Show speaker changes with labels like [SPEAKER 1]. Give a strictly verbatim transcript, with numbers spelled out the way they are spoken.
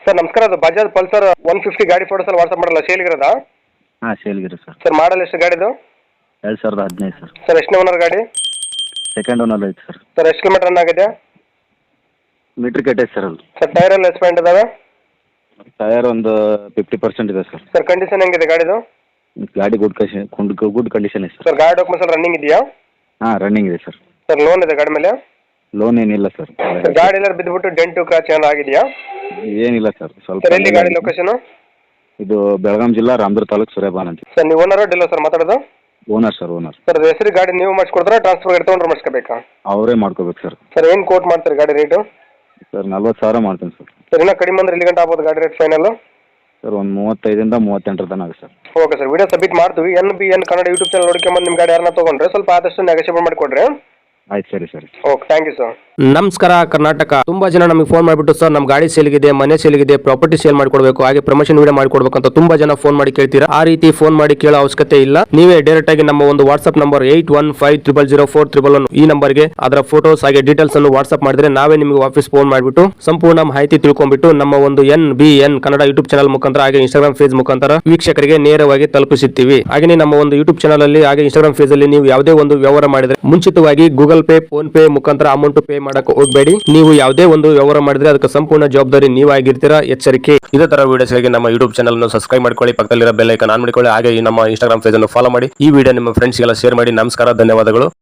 [SPEAKER 1] Sir ನಮಸ್ಕಾರ, ಅದು Bajaj Pulsar one fifty ಗಾಡಿ ಫೋಟೋಸ್ ಎಲ್ಲ ವಾಟ್ಸಪ್ ಮಾಡಲ್ಲ, ಸೇಲ್ಗಿರೋದಾ?
[SPEAKER 2] ಹಾಂ ಸೇಲ್ಗಿರಿ ಸರ್.
[SPEAKER 1] ಸರ್ ಮಾಡಲ್ ಎಷ್ಟು ಗಾಡಿದು?
[SPEAKER 2] ಎರಡು ಸಾವಿರದ ಹದಿನೈದು ಸರ್.
[SPEAKER 1] ಸರ್ ಎಷ್ಟನೇ ಓನರ್ ಗಾಡಿ?
[SPEAKER 2] ಸೆಕೆಂಡ್ ಓನರ್ ಐತೆ ಸರ್.
[SPEAKER 1] ಸರ್ ಎಷ್ಟು ಕಿಲೋಮೀಟರ್ ರನ್ ಆಗಿದೆ?
[SPEAKER 2] ಮೀಟ್ರ್ ಕೆಟ್ಟೈತೆ ಸರ್ ಅದು.
[SPEAKER 1] ಸರ್ ಟೈರ್ ಎಲ್ಲ ಎಕ್ಸ್ಪೆಂಡ್ ಇದಾವೆ?
[SPEAKER 2] ಟಯರ್ ಒಂದು ಫಿಫ್ಟಿ ಪರ್ಸೆಂಟ್ ಇದೆ ಸರ್.
[SPEAKER 1] ಸರ್ ಕಂಡೀಷನ್ ಹೆಂಗಿದೆ ಗಾಡಿದು?
[SPEAKER 2] ಗಾಡಿ ಗುಡ್ ಕಂಡೀಷನ್ ಗುಡ್ ಕಂಡೀಷನ್ ಇದೆ ಸರ್.
[SPEAKER 1] ಸರ್ ಗಾಡಿ ಡಾಕ್ಯುಮೆಂಟ್ಸ್ ಎಲ್ಲ ರನ್ನಿಂಗ್ ಇದೆಯಾ?
[SPEAKER 2] ಹಾಂ ರನ್ನಿಂಗ್ ಇದೆ ಸರ್.
[SPEAKER 1] ಸರ್ ಲೋನ್ ಇದೆ ಗಾಡಿ ಮೇಲೆ?
[SPEAKER 2] ಲೋನ್ ಏನಿಲ್ಲ ಸರ್.
[SPEAKER 1] ಸರ್ ಗಾಡಿ ಎಲ್ಲ ಬಿದ್ದುಬಿಟ್ಟು ಡೆಂಟು ಕ್ರಾಚ್ ಏನಾರು ಆಗಿದೆಯಾ?
[SPEAKER 2] ಏನಿಲ್ಲ ಸರ್. ಸ್ವಲ್ಪ
[SPEAKER 1] ಸರ್ ಎಲ್ಲಿ ಗಾಡಿ ಲೊಕೇಶನ್?
[SPEAKER 2] ಇದು ಬೆಳಗಾಂ ಜಿಲ್ಲಾ ರಾಮದುರ್ಗ ತಾಲೂಕು ಸೂರ್ಯಪಾನ ಅಂತ.
[SPEAKER 1] ಸರ್ ನೀವು ಓನರ್ ಡೀಲರ್ ಸರ್ ಮಾತಾಡೋದು?
[SPEAKER 2] Owner sir owner.
[SPEAKER 1] ಸರ್ ಅದು ಹೆಸರು ಗಾಡಿ ನೀವು ಮಾಡಿಸ್ಕೊಡ್ತಾರಾ ಟ್ರಾನ್ಸ್ಫರ್ ಗಾಡಿ ತೊಗೊಂಡ್ರೆ ಮಾಡಿಸ್ಕೋಬೇಕಾ?
[SPEAKER 2] ಅವರೇ ಮಾಡ್ಕೋಬೇಕು ಸರ್.
[SPEAKER 1] ಸರ್ ಏನು ಕೋಟ್ ಮಾಡ್ತಾರೆ ಗಾಡಿ ರೇಟು?
[SPEAKER 2] ಸರ್ ನಲ್ವತ್ತು ಸಾವಿರ ಮಾಡ್ತೀನಿ ಸರ್.
[SPEAKER 1] ಸರ್ ಇನ್ನೂ ಕಡಿಮೆ ಅಂದ್ರೆ ಎಲ್ಲಿ ಗಂಟೆ ಆಗ್ಬೋದು ಗಾಡಿ ರೇಟ್ ಫೈನಲ್?
[SPEAKER 2] ಸರ್ ಒಂದು ಮೂವತ್ತೈದರಿಂದ ಮೂವತ್ತೆಂಟರ ತನಕ ಆಗುತ್ತೆ sir.
[SPEAKER 1] Okay sir, video submit ಮಾಡ್ತೀವಿ. N B N Kannada YouTube channel ನೋಡ್ಕೊಂಬಂದು ನಿಮ್ಮ ಗಾಡಿ ಯಾರನ್ನ ತೊಗೊಂಡ್ರೆ ಸ್ವಲ್ಪ ಆದಷ್ಟು ನೆಗೋಷಿಯೇಟ್ ಮಾಡಿಕೊಡ್ರಿ.
[SPEAKER 2] ಆಯ್ತು ಸರಿ ಸರಿ.
[SPEAKER 1] Okay, thank you sir.
[SPEAKER 3] ನಮಸ್ಕಾರ ಕರ್ನಾಟಕ. ತುಂಬಾ ಜನ ನಮಗೆ ಫೋನ್ ಮಾಡಿಬಿಟ್ಟು ಸರ್ ನಮ್ಮ ಗಾಡಿ ಸೇಲ್ಗಿದೆ, ಮನೆ ಸೇಲ್ಗಿದೆ, ಪ್ರಾಪರ್ಟಿ ಸೇಲ್ ಮಾಡಿಕೊಡ್ಬೇಕು, ಹಾಗೆ ಪ್ರಮೋಷನ್ ವಿಡಿಯೋ ಮಾಡಿಕೊಡ್ಬೇಕು ಅಂತ ತುಂಬಾ ಜನ ಫೋನ್ ಮಾಡಿ ಕೇಳ್ತೀರಾ. ಆ ರೀತಿ ಫೋನ್ ಮಾಡಿ ಕೇಳೋ ಅವಶ್ಯಕತೆ ಇಲ್ಲ. ನೀವೇ ಡೈರೆಕ್ಟ್ ಆಗಿ ನಮ್ಮ ಒಂದು WhatsApp number eight one five triple zero four triple one ಈ ನಂಬರ್ಗೆ ಅದರ ಫೋಟೋಸ್ ಹಾಗೆ ಡೀಟೇಲ್ಸ್ ಅನ್ನು ವಾಟ್ಸ್ಆಪ್ ಮಾಡಿದ್ರೆ ನಾವೇ ನಿಮಗೆ ವಾಪಸ್ ಫೋನ್ ಮಾಡಿಬಿಟ್ಟು ಸಂಪೂರ್ಣ ಮಾಹಿತಿ ತಿಳ್ಕೊಂಡ್ಬಿಟ್ಟು ನಮ್ಮ ಒಂದು N B N Kannada YouTube channel ಮುಖಾಂತರ ಹಾಗೆ ಇನ್ಸ್ಟಾಗ್ರಾಮ್ ಪೇಜ್ ಮುಖಾಂತರ ವೀಕ್ಷಕರಿಗೆ ನೇರವಾಗಿ ತಲುಪಿಸುತ್ತೀವಿ. ಹಾಗೆ ನಮ್ಮ ಒಂದು ಯೂಟ್ಯೂಬ್ ಚಾನಲ್ ಅಲ್ಲಿ ಹಾಗೆ ಇನ್ಸ್ಟಾಗ್ರಾಮ್ ಪೇಜ್ ಅಲ್ಲಿ ನೀವು ಯಾವುದೇ ಒಂದು ವ್ಯವಹಾರ ಮಾಡಿದ್ರೆ ಮುಂಚಿತವಾಗಿ ಗೂಗಲ್ ಪೇ, ಫೋನ್ ಪೇ ಮುಖಾಂತರ ಅಮೌಂಟ್ ಪೇ ಮಾಡಕ್ಕೆ ಹೋಗಬೇಡಿ. ನೀವು ಯಾವುದೇ ಒಂದು ವ್ಯವಹಾರ ಮಾಡಿದ್ರೆ ಅದಕ್ಕೆ ಸಂಪೂರ್ಣ ಜವಾಬ್ದಾರಿ ನೀವಾಗಿರ್ತೀರಾ, ಎಚ್ಚರಿಕೆ. ಇದೇ ತರ ವಿಡಿಯೋಸ್ಗಾಗಿ ನಮ್ಮ ಯೂಟ್ಯೂಬ್ ಚಾನಲ್ ಅನ್ನು ಸಬ್ಸ್ಕ್ರೈಬ್ ಮಾಡ್ಕೊಳ್ಳಿ, ಪಕ್ಕದಲ್ಲಿರೋ ಬೆಲ್ ಐಕಾನ್ ಆನ್ ಮಾಡಿಕೊಳ್ಳಿ, ಹಾಗೆ ನಮ್ಮ ಇನ್ಸ್ಟಾಗ್ರಾಮ್ ಪೇಜ್ ಅನ್ನು ಫಾಲೋ ಮಾಡಿ. ಈ ವಿಡಿಯೋ ನಿಮ್ಮ ಫ್ರೆಂಡ್ಸ್ಗೆಲ್ಲ ಶೇರ್ ಮಾಡಿ. ನಮಸ್ಕಾರ, ಧನ್ಯವಾದಗಳು.